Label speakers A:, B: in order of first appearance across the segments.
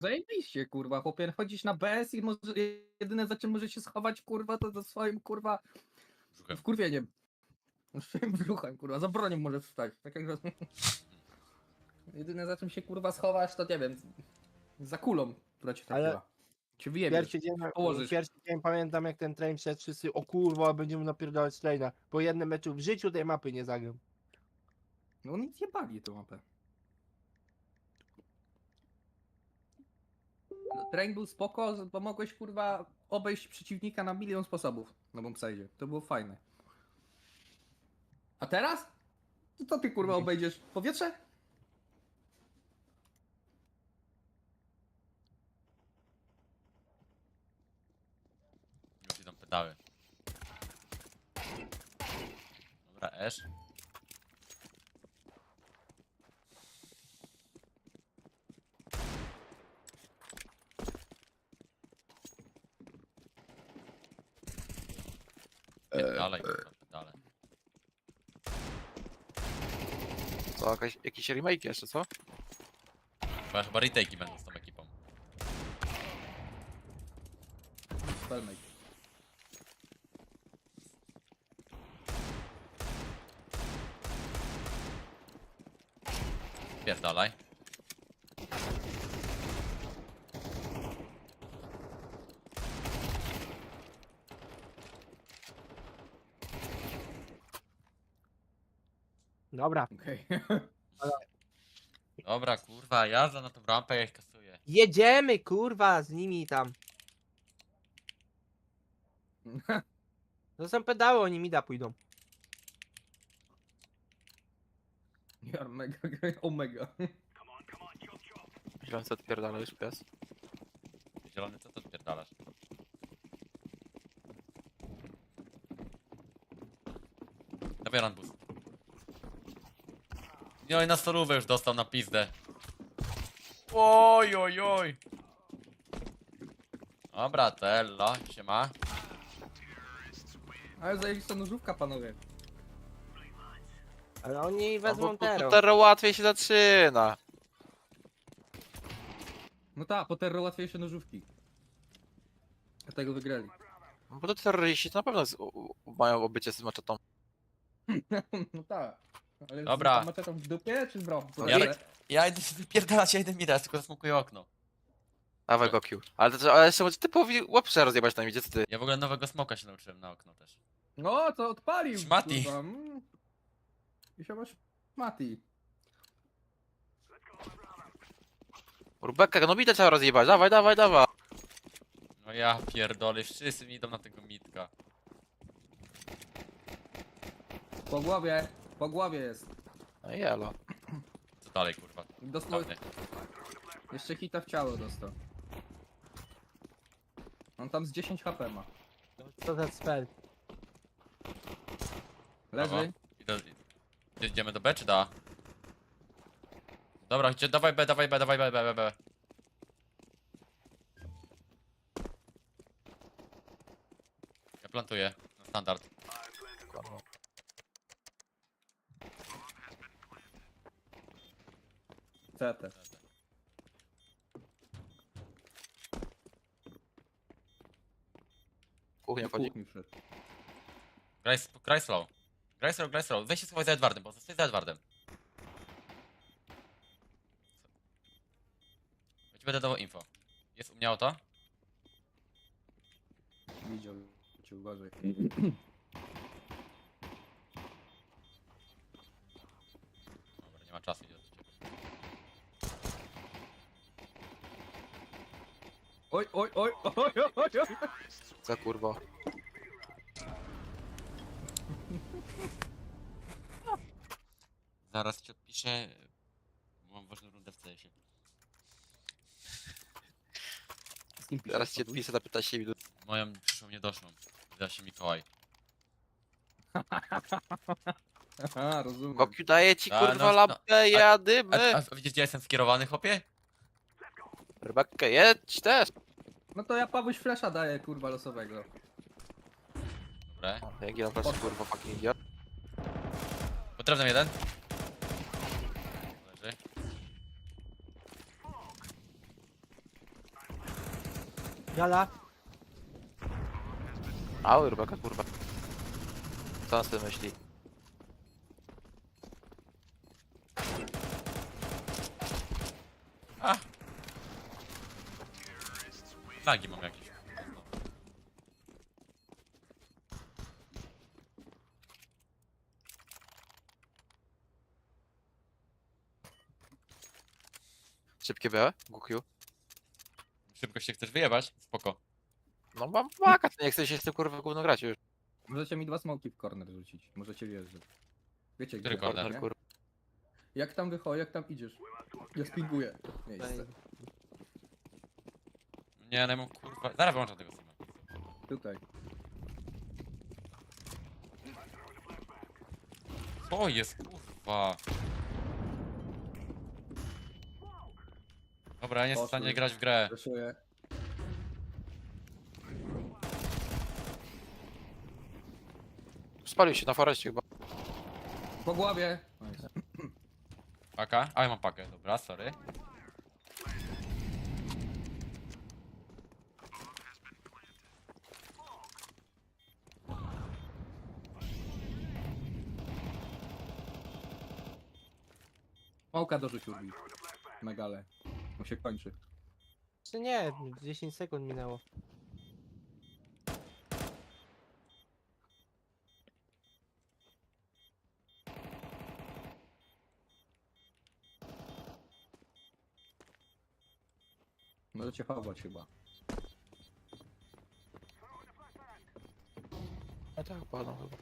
A: Zajebiście, kurwa, chłopie, chodzisz na BS i może, jedyne za czym może się schować, kurwa, to za swoim, kurwa,
B: Brzuchem.
A: wkurwieniem. Swoim brzuchem, kurwa, za bronią możesz wstać. Tak jak... Jedyne za czym się, kurwa, schowasz, to nie wiem, za kulą, która cię
C: Ale
A: trafiła. Cię wyjebiesz, położysz.
C: pierwszy dzień pamiętam jak ten train wszedł, wszyscy o kurwa będziemy napierdalać traina. Po jednym meczu w życiu tej mapy nie zagram.
A: No nic nie pali tą mapę. No, train był spoko, bo mogłeś, kurwa, obejść przeciwnika na milion sposobów na bombsite. To było fajne. A teraz? To co ty, kurwa, obejdziesz powietrze?
B: Już idą pedały. Dobra, Esz. Dalej, dalej.
D: Co, jakiś remake jeszcze, co?
B: Chyba retake'i będą z tą ekipą.
A: Spellmate.
B: Pierdalaj.
C: Dobra.
A: Okej.
B: Dobra, kurwa, jazda na tą rampę, ja ich kasuję.
C: Jedziemy kurwa z nimi tam. To są pedały, oni mida pójdą.
A: Ja mega, omega.
D: Źle co odpierdala już pies.
B: Zielony, co ty odpierdalasz? Dawaj run boost. No i na solówę już dostał na pizdę. Oj, oj, oj. Dobra, Tello, siema.
A: Ale zajebista nożówka, panowie.
C: Ale oni
D: No,
C: wezmą
D: bo
C: tero.
D: Terro łatwiej się zaczyna.
A: No tak, po terror łatwiejsze nożówki. Dlatego wygrali.
D: No bo to terroryści to na pewno mają obycie z maczetą.
A: No tak. Ale
B: Dobra.
A: z maczetą w dupie, czy w rąk?
B: Ja idę się wypierdalać, ja idę mi raz, tylko zasmukuję okno.
D: Dawaj go Q. Ale jeszcze może typowi łapsze rozjebać na midzie, co ty?
B: Ja w ogóle nowego smoka się nauczyłem na okno też.
A: No, co odpalił?
B: Szmati.
A: kurwa, I się masz Mati.
D: Rubeka, no midę trzeba rozjebać, dawaj, dawaj, dawaj.
B: No ja pierdolę, wszyscy mi idą na tego mitka.
A: Po głowie jest.
D: No i jelo.
B: Co dalej, kurwa?
A: Dostał,
B: Dawny.
A: jeszcze hita w ciało dostał. On tam z 10 HP ma.
C: Co za spell?
A: Leży.
B: Idziemy do B czy do A? Dobra, dawaj B, dawaj B, dawaj B, B, B, B. Ja plantuję, na standard.
A: CT.
D: Kuchnia
A: Do
D: wchodzi.
A: kuchni wszedł.
B: Graj slow. Graj slow. Weź się schowaj za Edwardem, bo zostań za Edwardem. Ja ci będę dawał info. Jest u mnie auto?
A: Widział cię, uważaj.
B: Dobra, nie ma czasu, idę do ciebie.
A: Oj, oj, oj, oj, oj, oj, oj.
D: Co kurwa.
B: Zaraz ci odpiszę. Mam ważną rundę w CS-ie.
A: Z kim piszesz,
D: Zaraz cię
A: Pawuś?
D: odpiszę, zapytać się ilu.
B: Moją przyszłą niedoszłą. Wyda się Mikołaj.
A: Aha, rozumiem.
D: Gokiu daje ci
B: A,
D: kurwa
B: no,
D: lampkę,
B: A
D: jadymy.
B: widzisz gdzie jestem skierowany, chłopie?
D: Rebekę, jedź też.
A: No to ja Pawuś flesza daję, kurwa, losowego.
B: Dobra.
D: Jak ja też kurwa fucking idiot.
B: Potrzebny jeden. Leży.
C: Gala.
D: Ały, rybaka, kurwa. Co on sobie myśli?
B: A! Lagi mam jakieś.
D: Szybkie BE? GQ?
B: Szybko się chcesz wyjebać? Spoko.
D: No mam maka, to nie chcę się z tym kurwa gówno grać już.
A: Możecie mi 2 smoki w corner rzucić. Możecie wjeżdżać. Wiecie
B: Który
A: gdzie,
B: corner,
A: nie?
D: kurwa.
A: Jak tam wychodzi, jak tam idziesz? Ja spinguję miejsce.
B: Nie, no kurwa. Zaraz wyłączam tego streama.
A: Tutaj.
B: Co jest kurwa? Dobra, ja nie jestem w stanie
A: Poszły.
B: grać w grę.
A: Reszuję.
D: Spalił się na foreście chyba.
A: Po głowie. Nice.
B: Paka? A ja mam pakę, dobra, sorry.
A: Małka dorzuć Urbi. Megale. On się kończy.
C: Czy nie, 10 sekund minęło.
A: Możecie chować chyba.
D: A tak, padł chyba.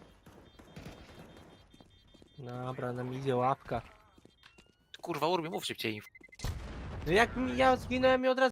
C: Dobra, nam idzie łapka.
D: Kurwa, Urbi, mów szybciej.
C: No jak ja zginąłem i od razu